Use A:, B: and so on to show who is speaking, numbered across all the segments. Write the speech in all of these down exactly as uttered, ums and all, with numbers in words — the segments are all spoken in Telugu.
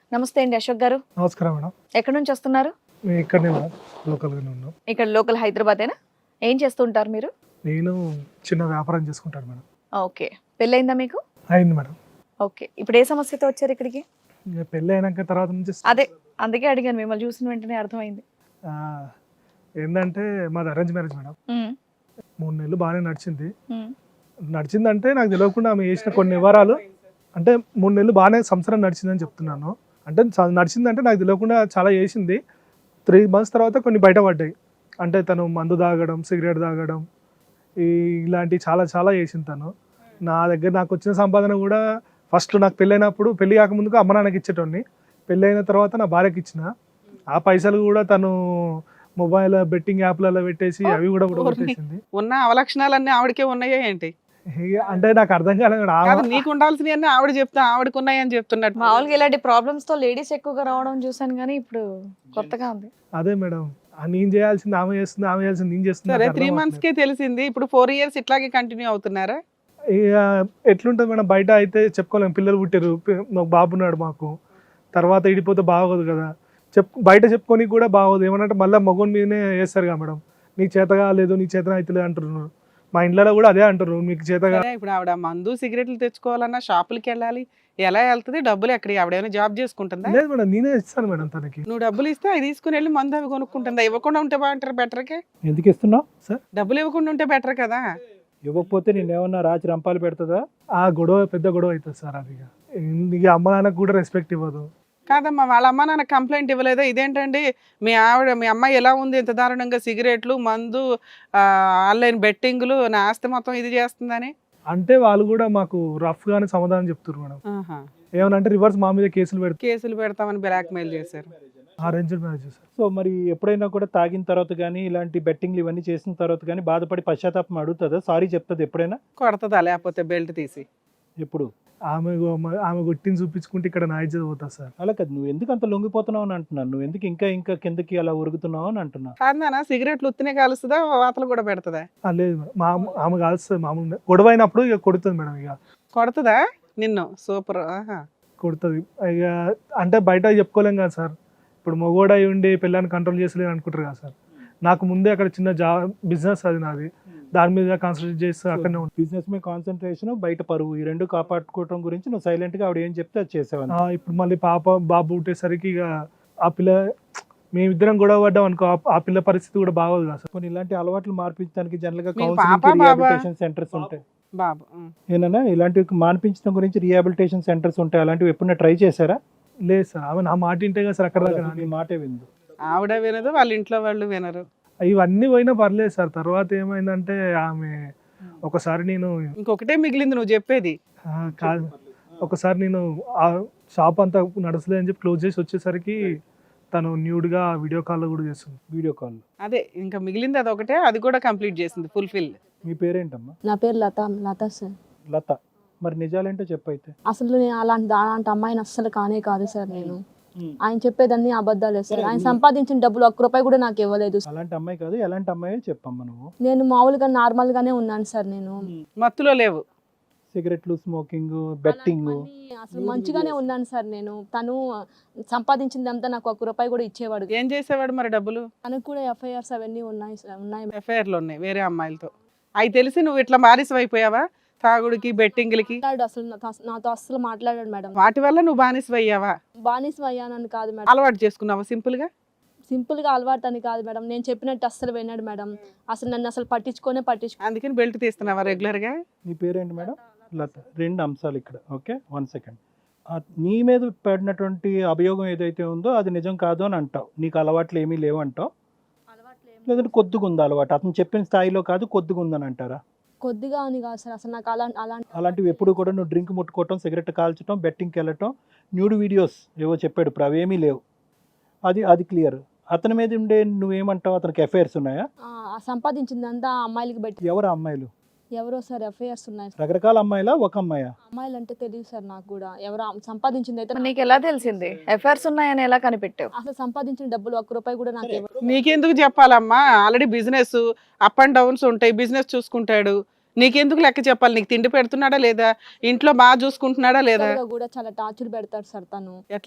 A: నమస్తే అండి అశోక్ గారు.
B: నమస్కారం మేడం.
A: ఎక్కడి నుంచి వస్తున్నారు?
B: మేము ఇక్కడనే మేడం, లోకల్గానే ఉన్నాం.
A: ఇక్కడ లోకల్ హైదరాబాదేనా? ఏం చేస్తుంటారు మీరు?
B: నేను చిన్న వ్యాపారం చేసుకుంటాను మేడం.
A: ఓకే, పెళ్ళయిందా మీకు?
B: అయింది మేడం.
A: ఓకే, ఇప్పుడు ఏ సమస్యతో వచ్చారు ఇక్కడికి?
B: ఇక పెళ్ళి అయినాక తర్వాత నుంచి
A: అదే అందుకే అడిగాను, మిమ్మల్ని చూసిన వెంటనే అర్థమైంది.
B: ఆ, ఏంటంటే మాది అరేంజ్ మ్యారేజ్ మేడం.
A: ఉమ్,
B: మూడు నెలలు బాగానే నడిచింది.
A: ఉమ్,
B: నడిచిందంటే నాకు తెలియకుండా ఆమె చేసిన కొన్ని వివరాలు, అంటే మూడు నెలలు బాగానే సంవత్సరం నడిచిందని చెప్తున్నాను. అంటే చ- నడిచిందంటే నాకు తెలియకుండా చాలా చేసింది. త్రీ మంత్స్ తర్వాత కొన్ని బయటపడ్డాయి. అంటే తను మందు తాగడం, సిగరెట్ తాగడం, ఈ ఇలాంటివి చాలా చాలా చేసింది తను. నా దగ్గర నాకు వచ్చిన సంపాదన కూడా ఫస్ట్ నాకు పెళ్ళైనప్పుడు, పెళ్ళి కాకముందుకు అమ్మ నాన్నకి ఇచ్చేటోని. పెళ్ళి అయిన తర్వాత నా భార్యకి ఇచ్చిన. ఆ పైసలు కూడా తను మొబైల్ బెట్టింగ్ యాప్లలో పెట్టేసి అవి కూడా కూడా పెట్టేసింది.
C: ఉన్న అవలక్షణాలన్నీ ఆవిడకే ఉన్నాయా ఏంటి?
B: ఇక అంటే నాకు అర్థం కాలేదు మేడం.
C: కాదు,
B: ఆ-
C: నీకు ఉండాల్సినవి ఆవిడ చెప్తా ఆవిడకు ఉన్నాయని చెప్తున్నట్టు.
A: మామూలుగా ఇలాంటి ప్రాబ్లమ్స్ తో లేడీస్ ఎక్కువగా రావడం చూసాను, కానీ ఇప్పుడు కొత్తగా ఉంది.
B: అదే మేడం, ఆ నేను చేయాల్సింది ఆమె చేస్తుంది, ఆమె చేయాల్సింది నేను చేస్తుంది.
C: సరే,
B: నాకు
C: త్రీ
B: అర్థం
C: మంత్స్ కే తెలిసింది, ఇప్పుడు ఫోర్ ఇయర్స్ ఇట్లాగే కంటిన్యూ అవుతున్నారా?
B: అవ్వట్లేదు. ఇక ఎట్లుంటుంది మేడం, బయట అయితే చెప్పుకోలేము. పిల్లలు పుట్టారు, పి- మాకు బాబు ఉన్నాడు. మాకు తర్వాత ఇడిపోతే బాగోదు కదా, చెప్ బయట చెప్పుకొని కూడా బాగోదు. ఏమనంటే మళ్ళీ మగోని మీదనే వేస్తారు కదా మేడం, నీకు చేతగా లేదు, నీ చేతన అవుతలేదు అంటున్నారు. మా ఇంట్లో కూడా అదే అంటారు, మీకు చేతగా.
C: సరే, ఇప్పుడు ఆవిడ మందు సిగరెట్లు తెచ్చుకోవాలన్నా షాపులకి వెళ్ళాలి, ఎలా వెళ్తుంది? డబ్బులు ఎక్కడ? ఆవిడేమైనా జాబ్ చేసుకుంటుందా?
B: లేదు మేడం, నేనే ఇస్తాను మేడం తనకి.
C: నువ్వు డబ్బులు ఇస్తే అవి తీసుకుని వెళ్ళి మందు అవి కొనుక్కుంటుందా? ఇవ్వకుండా ఉంటే బాగుంటారు, బెటర్కే.
D: ఎందుకు ఇస్తున్నావు?
C: డబ్బులు ఇవ్వకుండా ఉంటే బెటర్ కదా.
D: ఇవ్వకపోతే నేనేమన్నా రాచి రంపాలు పెడుతుందా?
B: ఆ గొడవ పెద్ద గొడవ అవుతుంది సార్. అది ఇక ఇక అమ్మ నాన్నకు కూడా రెస్పెక్ట్ ఇవ్వదు.
C: కాదమ్మా, వాళ్ళ అమ్మ నాన్న కంప్లైంట్ ఇవ్వలేదా? ఇదేంటండి మీ ఆవిడ, మీ అమ్మాయి ఎలా ఉంది ఇంత దారుణంగా సిగరెట్లు, మందు, ఆన్లైన్ బెట్టింగ్లు, నా ఆస్తి మొత్తం ఇది చేస్తుందని?
B: అంటే వాళ్ళు కూడా మాకు రఫ్ గానే సమాధానం చెప్తారు మేడం.
C: ఆహా.
B: ఏమనంటే రివర్స్ మా మీద కేసులు పెడతారు.
C: కేసులు పెడతామని బ్లాక్ మెయిల్ చేశారు.
B: Arranged marriage sir.
D: సో మరి ఎప్పుడైనా కూడా తాగిన తర్వాత కానీ ఇలాంటి బెట్టింగ్లు ఇవన్నీ చేసిన తర్వాత కానీ బాధపడి పశ్చాత్తాపం అడుగుతుందా? సారీ చెప్తుంది ఎప్పుడైనా?
C: కొడతదా లేకపోతే బెల్ట్ తీసి?
D: ఎప్పుడు?
B: ఆమె ఆమె కొట్టిని చూపించుకుంటే ఇక్కడ నా ఇజ్జత్ పోతా సార్.
D: అలా కాదు, నువ్వు ఎందుకు అంత లొంగిపోతున్నావు అని అంటున్నాను. నువ్వు ఎందుకు ఇంకా ఇంకా కిందకి అలా ఉరుగుతున్నావు అని అంటున్నా.
C: కాదనా, సిగరెట్లు ఉత్తినే కాలుస్తుందా, వాతలు కూడా పెడతదా?
B: ఆ, లేదు మేడం, మా ఆమె కాల్స్తుంది మామూలుగా. గొడవ అయినప్పుడు ఇక కొడుతుంది మేడం. ఇక
C: కొడతదా నిన్ను? సూపర్. ఆహా.
B: కొడుతుంది ఇక. అంటే బయట చెప్పుకోలేం కదా సార్. ఇప్పుడు మొగోడ అయి ఉండి పిల్లని కంట్రోల్ చేసలేని అనుకుంటారు కదా సార్. నాకు ముందే అక్కడ చిన్న జా బిజినెస్ అది నాది, దాని మీద కాన్సన్ట్రేట్ చేస్తే అక్కడనే ఉంటుంది.
D: బిజినెస్ మీద కాన్సన్ట్రేషన్, బయట పరువు, ఈ రెండు కాపాడుకోవడం గురించి నువ్వు సైలెంట్ గా ఆవిడ ఏం చెప్తే అది చేసావని.
B: ఆ, ఇప్పుడు మళ్ళీ పాప బాబు పుట్టేసరికి ఇక ఆ పిల్ల, మేమిద్దరం గొడవ పడ్డాం అనుకో, ఆ- ఆ పిల్ల పరిస్థితి కూడా బాగోదు కదా సార్.
D: కొన్ని ఇలాంటి అలవాట్లు మార్పించడానికి జనరల్ గా
C: మీరు
D: కౌన్సిలింగ్,
C: పాపా, బాబా?
D: రిహాబిలిటేషన్ సెంటర్స్ ఉంటాయి.
C: బాబు. ఉం.
D: ఏనా ఇలాంటివి మాన్పించడం గురించి రిహాబిలిటేషన్ సెంటర్స్ ఉంటాయి, అలాంటివి ఎప్పుడైనా ట్రై చేశారా?
B: లేదు సార్, ఆమె నా మాట వింటే కదా సార్ అక్కడ దాకా
D: అసలు
B: రాని.
D: నీ మాటే విందు.
C: ఆవిడ వినదు, వాళ్ళ ఇంట్లో వాళ్ళు వినరు.
B: ఇవన్నీ పోయినా పర్లేదు సార్. తర్వాత ఏమైందంటే ఆమె ఒకసారి నేను
C: ఇంకొకటే మిగిలింది నువ్వు చెప్పేది.
B: ఆ, కాదు, ఒకసారి నేను ఆ షాప్ అంతా నడసలే అని చెప్పి క్లోజ్ చేసి వచ్చేసరికి తను న్యూడ్గా వీడియో కాల్లో కూడా చేస్తుంది.
D: Video call.
C: అదే ఇంకా మిగిలింది అదొకటే, అది కూడా కంప్లీట్ చేసింది ఫుల్ఫిల్.
D: మీ పేరేంటమ్మా?
E: నా పేరు లత లత సార్.
D: లత. మరి నిజాలేంటో చెప్పైతే.
E: అసలు నేను అలాంటి అలాంటి అమ్మాయిని అస్సలు కానే కాదు సార్. నేను ఆయన చెప్పేదాన్ని అబద్ధాలే సార్. ఆయన సంపాదించిన డబ్బులు ఒక్క రూపాయి కూడా నాకు ఇవ్వలేదు.
D: అలాంటి అమ్మాయి కాదు, ఎలాంటి అమ్మాయి చెప్పమ్మా నువ్వు.
E: నేను మామూలుగా నార్మల్ గానే ఉన్నాను సార్. నేను
C: మత్తులో లేవు.
D: సిగరెట్లు, స్మోకింగ్, బెట్టింగ్.
E: అలాంటివన్నీ అసలు మంచిగానే ఉన్నాను సార్. నేను తను సంపాదించిందంతా నాకు ఒక్క రూపాయి కూడా ఇచ్చేవాడు.
C: ఏం చేసేవాడు మరి డబ్బులు?
E: తనకు కూడా ఎఫ్ఐఆర్స్ అవన్నీ ఉన్నాయి సార్, ఉన్నాయి.
C: ఎఫ్ఐఆర్లు ఉన్నాయి వేరే అమ్మాయిలతో. అవి తెలిసి నువ్వు ఇట్లా బానిస అయిపోయావా తాగుడికి, బెట్టింగ్లకి?
E: మాట్లాడు అసలు నాతో- నాతో అస్సలు మాట్లాడాడు మేడం.
C: వాటి వల్ల నువ్వు బానిస అయ్యావా?
E: బానిస అయ్యానని కాదు మేడం,
C: అలవాటు చేసుకున్నావా సింపుల్ గా?
E: సింపుల్ గా అలవాటు అని కాదు మేడం. నేను చెప్పినట్టు అస్సలు విన్నాడు మేడం. అసలు నన్ను అసలు పట్టించుకోనే పట్టించుకో.
C: అందుకని బెల్ట్ తీస్తున్నావా రెగ్యులర్ గా?
D: నీ పేరేంటి మేడం? లత. రెండు అంశాలు ఇక్కడ. Okay, one second. నీ మీద పడినటువంటి అభియోగం ఏదైతే ఉందో అది నిజం కాదు అని అంటావు. నీకు అలవాట్లు ఏమీ లేవు అంటావు, లేదంటే కొద్దిగా ఉంది అలవాటు. అతను చెప్పిన స్థాయిలో కాదు, కొద్దిగా ఉందని అంటారా?
E: కొద్దిగా అని కాదు సార్, అసలు నాకు అలా అలాంటి
D: అలాంటివి ఎప్పుడు కూడా నువ్వు డ్రింక్ ముట్టుకోవటం, సిగరెట్ కాల్చడం, బెట్టింగ్కి వెళ్ళటం, న్యూడ్ వీడియోస్ ఏవో చెప్పాడు, ఇప్పుడు అవేమీ లేవు. అది అది క్లియర్. అతని మీద ఉండే నువ్వేమంటావు, అతనికి ఎఫ్ఐఆర్స్ ఉన్నాయా?
E: ఆ, ఆ సంపాదించిందంతా ఆ అమ్మాయిలకి పెట్టి.
D: ఎవరు అమ్మాయిలు?
E: ఎవరో సార్ ఎఫ్ఐఆర్స్ ఉన్నాయి.
D: రకరకాల అమ్మాయిలా, ఒక అమ్మాయా?
E: అమ్మాయిలు అంటే తెలియదు సార్ నాకు కూడా. ఎవరో సంపాదించింది అయితే
A: మరి నీకు ఎలా తెలిసింది? ఎఫ్ఐఆర్స్ ఉన్నాయని ఎలా కనిపెట్టావు?
E: అసలు సంపాదించిన డబ్బులు ఒక్క రూపాయి కూడా నాకు ఇవ్వరు.
C: నీకెందుకు చెప్పాలమ్మా? Already business up and downs ఉంటాయి, బిజినెస్ చూసుకుంటాడు. నీకెందుకు లెక్క చెప్పాలి? నీకు తిండి పెడుతున్నాడా లేదా? ఇంట్లో బాగా చూసుకుంటున్నాడా లేదా?
E: కూడా చాలా టార్చర్ పెడతాడు సార్ తను.
C: ఎట్లమ్మా?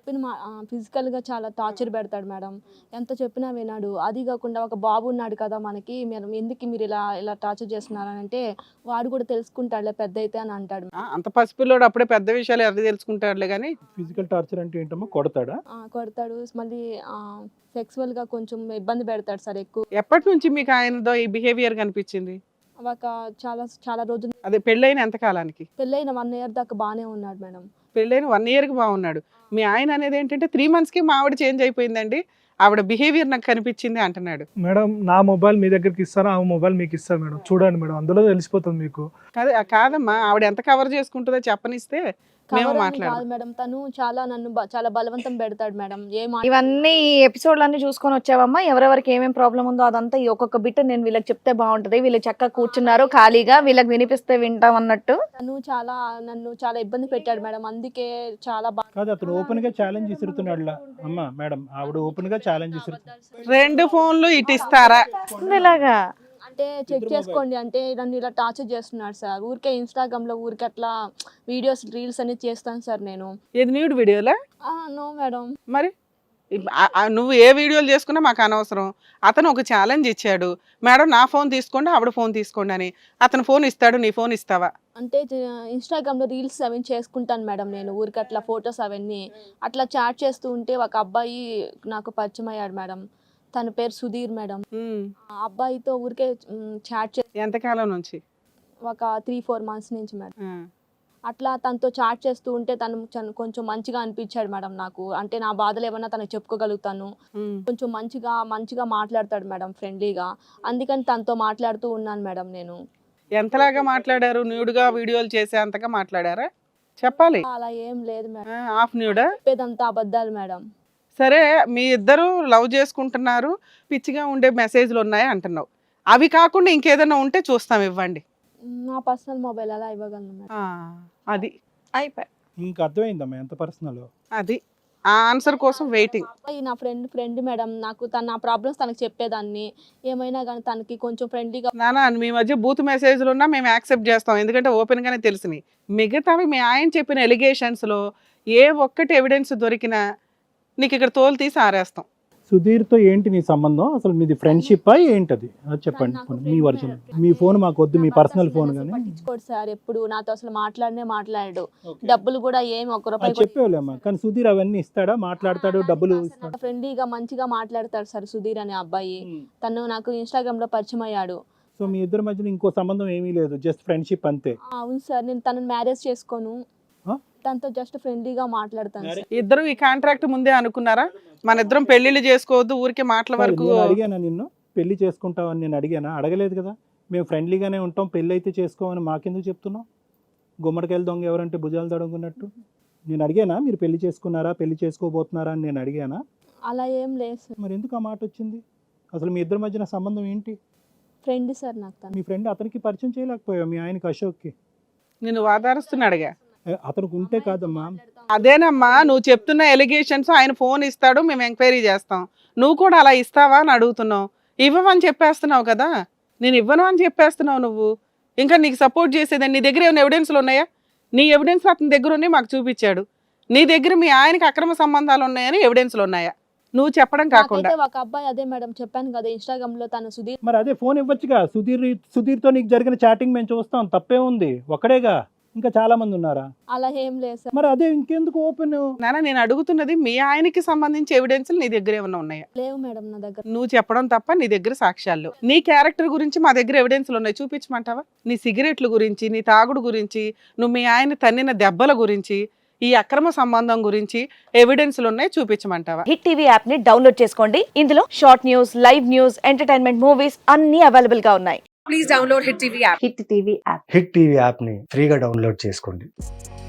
E: చెప్పిన మా ఫిజికల్గా చాలా టార్చర్ పెడతాడు మేడం. ఎంత చెప్పినా వినాడు. అది కాకుండా ఒక బాబు ఉన్నాడు కదా మనకి, మీరు ఎందుకు మీరు ఇలా ఇలా టార్చర్ చేస్తున్నారని అంటే, వాడు కూడా తెలుసుకుంటాడులే పెద్ద అయితే అని అంటాడు.
C: ఆ, అంత పసిపిల్లోడు అప్పుడే పెద్ద విషయాలు ఎవరు తెలుసుకుంటాడులే కానీ.
D: ఫిజికల్ టార్చర్ అంటే ఏంటమ్మా, కొడతాడా?
E: ఆ, కొడతాడు. మళ్ళీ సెక్సువల్గా కొంచెం ఇబ్బంది పెడతాడు సార్ ఎక్కువ.
C: ఎప్పటి నుంచి మీకు ఆయనతో ఈ బిహేవియర్ కనిపించింది?
E: ఒక చాలా చాలా రోజులు
C: అదే పెళ్ళైన ఎంత కాలానికి?
E: పెళ్ళైన వన్ ఇయర్ దాకా బాగానే ఉన్నాడు మేడం.
C: పెళ్ళైన వన్ ఇయర్కి బాగున్నాడు. మీ ఆయన అనేది ఏంటంటే త్రీ మంత్స్కి మా ఆవిడ చేంజ్ అయిపోయిందండి, ఆవిడ బిహేవియర్ నాకు కనిపించింది అంటున్నాడు.
B: మేడం నా మొబైల్ మీ దగ్గరికి ఇస్తాను, ఆ మొబైల్ మీకు ఇస్తాను మేడం, చూడండి మేడం, అందులో తెలిసిపోతుంది మీకు.
C: కాదు కాదమ్మా, ఆవిడ ఎంత కవర్ చేసుకుంటుందో చెప్పనిస్తే మేము
E: కవర్ అని
C: మాట్లాడదాం.
E: కాదు మేడం, తను చాలా నన్ను బ- చాలా బలవంతం పెడతాడు మేడం. ఏ మాట
A: ఇవన్నీ ఎపిసోడ్లన్నీ చూసుకొని వచ్చావమ్మా, ఎవరెవరికి ఏమేం ప్రాబ్లం ఉందో అదంతా ఈ ఒక్కొక్క బిట్ నేను వీళ్ళకి చెప్తే బాగుంటది, వీళ్ళు చక్కగా కూర్చున్నారు ఖాళీగా, వీళ్ళకి వినిపిస్తే వింటాం అన్నట్టు.
E: తను చాలా నన్ను చాలా ఇబ్బంది పెట్టాడు మేడం. అందుకే చాలా బాగా
D: కాదు, అతను ఓపెన్ గా ఛాలెంజ్ ఇస్తున్నాడు. అమ్మా మేడం, ఆవిడ ఓపెన్ గా ఛాలెంజ్ ఇస్తున్నాడు.
C: రెండు ఫోన్లు ఇటు ఇస్తారా?
A: ఇలాగా
E: అంటే చెక్ చేసుకోండి అంటే నన్ను ఇలా టార్చర్ చేస్తున్నాడు సార్. ఊరికే ఇన్స్టాగ్రామ్ లో ఊరికే అట్లా వీడియోస్ రీల్స్ అన్ని చేస్తాను సార్ నేను.
C: ఇది న్యూడ్ వీడియోలా?
E: No madam.
C: మరి ఇప్- ఆ- ఆ నువ్వు ఏ వీడియోలు చేసుకున్నా మాకు అనవసరం. అతను ఒక ఛాలెంజ్ ఇచ్చాడు, మేడం నా ఫోన్ తీసుకోండి ఆవిడ ఫోన్ తీసుకోండి అని. అతను ఫోన్ ఇస్తాడు, నీ ఫోన్ ఇస్తావా?
E: అంటే ఇన్స్టాగ్రామ్ లో రీల్స్ అవన్నీ చేసుకుంటాను మేడం నేను. ఊరికి అట్లా ఫొటోస్ అవన్నీ అట్లా చాట్ చేస్తూ ఉంటే ఒక అబ్బాయి నాకు పరిచయం అయ్యాడు మేడం. తన పేరు సుధీర్ మేడం.
C: ఉమ్.
E: ఆ అబ్బాయితో ఊరికే చాట్ చే
C: ఎంతకాలం నుంచి?
E: ఒక త్రీ ఫోర్ మంత్స్ నుంచి మేడం.
C: ఆ.
E: అట్లా తనతో చాట్ చేస్తూ ఉంటే తను చన్- కొంచెం మంచిగా అనిపించాడు మేడం నాకు. అంటే నా బాధలు ఏమన్నా తనకు చెప్పుకోగలుగుతాను.
C: ఉమ్.
E: కొంచెం మంచిగా మంచిగా మాట్లాడతాడు మేడం, ఫ్రెండ్లీగా. అందుకని తనతో మాట్లాడుతూ ఉన్నాను మేడం నేను.
C: ఎంతలాగా మాట్లాడారు? న్యూడ్గా వీడియోలు చేసే అంతగా మాట్లాడారా? చెప్పాలి.
E: అలా ఏం లేదు మేడం,
C: హాఫ్ న్యూడా?
E: చెప్పేదంతా అబద్ధాలు మేడం.
C: సరే, మీ ఇద్దరు లవ్ చేసుకుంటున్నారు, పిచ్చిగా ఉండే మెసేజ్లు ఉన్నాయి అంటున్నావు. అవి కాకుండా ఇంకేదైనా ఉంటే చూస్తాం, ఇవ్వండి.
E: నా పర్సనల్ మొబైల్ అలా ఇవ్వగలను మేడం.
C: ఆ, అది
A: అయిపోయి
D: ఇంకా అర్థమైందమ్మా ఎంత పర్సనల్.
C: అది ఆ ఆన్సర్ కోసం వెయిటింగ్.
E: అబ్బాయి నా ఫ్రెండ్ ఫ్రెండ్ మేడం. నాకు తన నా ప్రాబ్లమ్స్ తనకి చెప్పేదాన్ని. ఏమైనా కానీ తనకి కొంచెం ఫ్రెండ్లీగా.
C: నానా, మీ మధ్య బూత్ మెసేజ్లు ఉన్నా మేము యాక్సెప్ట్ చేస్తాం, ఎందుకంటే ఓపెన్ గానే తెలిసినాయి. మిగతావి మీ ఆయన చెప్పిన ఎలిగేషన్స్ లో ఏ ఒక్కటి ఎవిడెన్స్ దొరికినా నీకు ఇక్కడ తోలు తీసి ఆరేస్తాం.
D: సుధీర్తో ఏంటి నీ సంబంధం? అసలు మీది ఫ్రెండ్షిప్ ఏంటది అది చెప్పండి.
E: నాకు
D: మీ
E: friend
D: వర్జన్.
E: మేడం.
D: మీ ఫోన్ మాకు వద్దు, మీ
E: నా
D: పర్సనల్
E: personal
D: ఫోన్
E: messages
D: కానీ.
E: పట్టించుకోడు సార్. ఎప్పుడు నాతో అసలు మాట్లాడనే మాట్లాడాడు. డబ్బులు కూడా ఏమి ఒక్క రూపాయి కూడా
D: చెప్పేవాళ్ళమ్మా, కానీ సుధీర్ అవన్నీ ఇస్తాడా? మాట్లాడతాడు, డబ్బులు ఇస్తాడు.
E: ఫ్రెండ్లీగా మంచిగా మాట్లాడతాడు సార్ సుధీర్ అనే అబ్బాయి. తను నాకు ఇన్స్టాగ్రామ్ లో పరిచయం అయ్యాడు.
D: సో మీ ఇద్దరి మధ్యన ఇంకో సంబంధం ఏమీ లేదు, జస్ట్ ఫ్రెండ్షిప్ అంతే.
E: ఆ, అవును సార్. నేను తనని మ్యారేజ్ చేసుకోను,
D: ఆ?
E: తనతో జస్ట్ ఫ్రెండ్లీగా మాట్లాడతాను సార్.
C: ఇద్దరు ఈ కాంట్రాక్ట్ ముందే అనుకున్నారా? మన ఇద్దరం పెళ్లిళ్ళు చేసుకోవద్దు, ఊరికే మాటల వరకు.
D: నేను అడిగానా నిన్ను పెళ్లి చేసుకుంటావని? నేను అడిగానా? అడగలేదు కదా. మేము ఫ్రెండ్లీగానే ఉంటాం, పెళ్ళి అయితే చేసుకోమని మాకెందుకు చెప్తున్నావు? గుమ్మడికాయలు దొంగ ఎవరంటే భుజాలు దొంగన్నట్టు. నేను అడిగానా మీరు పెళ్లి చేసుకున్నారా, పెళ్లి చేసుకోబోతున్నారా అని నేను అడిగానా?
E: అలా ఏం లేదు సార్.
D: మరి ఎందుకు ఆ మాట వచ్చింది? అసలు మీ ఇద్దరి మధ్యన సంబంధం ఏంటి?
E: ఫ్రెండ్ సార్ నాకు తను.
D: మీ ఫ్రెండ్ అతనికి పరిచయం చేయలేకపోయావు, మీ ఆయనకి అశోక్కి?
C: నేను వాదారుస్తున్నాడుగా.
D: ఏ, అతనికి ఉంటే కాదమ్మా.
C: అదేనమ్మా, నువ్వు చెప్తున్న ఎలిగేషన్స్. ఆయన ఫోన్ ఇస్తాడు, మేము ఎంక్వైరీ చేస్తాం. నువ్వు కూడా అలా ఇస్తావా అని అడుగుతున్నావు. ఇవ్వమని చెప్పేస్తున్నావు కదా. నేను ఇవ్వను అని చెప్పేస్తున్నావు నువ్వు. ఇంకా నీకు సపోర్ట్ చేసేదని నీ దగ్గర ఏమైనా ఎవిడెన్స్లు ఉన్నాయా? నీ ఎవిడెన్స్ అతని దగ్గర ఉన్నాయి, మాకు చూపించాడు. నీ దగ్గర మీ ఆయనకి అక్రమ సంబంధాలు ఉన్నాయని ఎవిడెన్స్లు ఉన్నాయా? నువ్వు చెప్పడం కాకుండా.
E: నాకైతే ఒక అబ్బాయి, అదే మేడం చెప్పాను కదా ఇన్స్టాగ్రామ్ లో తను సుధీర్.
D: మరి అదే ఫోన్ ఇవ్వచ్చుగా. సుధీర్ సుధీర్తో నీకు జరిగిన చాటింగ్ మేము చూస్తాం, తప్పే ఉంది. ఒక్కడేగా, ఇంకా చాలా మంది ఉన్నారా?
E: అలా ఏం లేదు సార్.
D: మరి అదే ఇంకెందుకు ఓపెన్?
C: నాన్న, నేను అడుగుతున్నది మీ ఆయనకి సంబంధించి ఎవిడెన్స్లు నీ దగ్గర ఏమైనా ఉన్నాయా?
E: లేవు మేడం నా దగ్గర.
C: నువ్వు చెప్పడం తప్ప నీ దగ్గర సాక్ష్యాలు. నీ క్యారెక్టర్ గురించి మా దగ్గర ఎవిడెన్స్లు ఉన్నాయి, చూపించమంటావా? నీ సిగరెట్ల గురించి, నీ తాగుడు గురించి, నువ్వు మీ ఆయన తన్నిన దెబ్బల గురించి, ఈ అక్రమ సంబంధం గురించి ఎవిడెన్స్లు ఉన్నాయి, చూపించమంటావా?
F: హిట్ టీవీ యాప్ ని డౌన్లోడ్ చేసుకోండి. ఇందులో short news, live news, entertainment movies అన్ని అవైలబుల్ గా ఉన్నాయి.
G: Hit TV app
H: hit TV యాప్ని ఫ్రీగా డౌన్లోడ్ చేసుకోండి.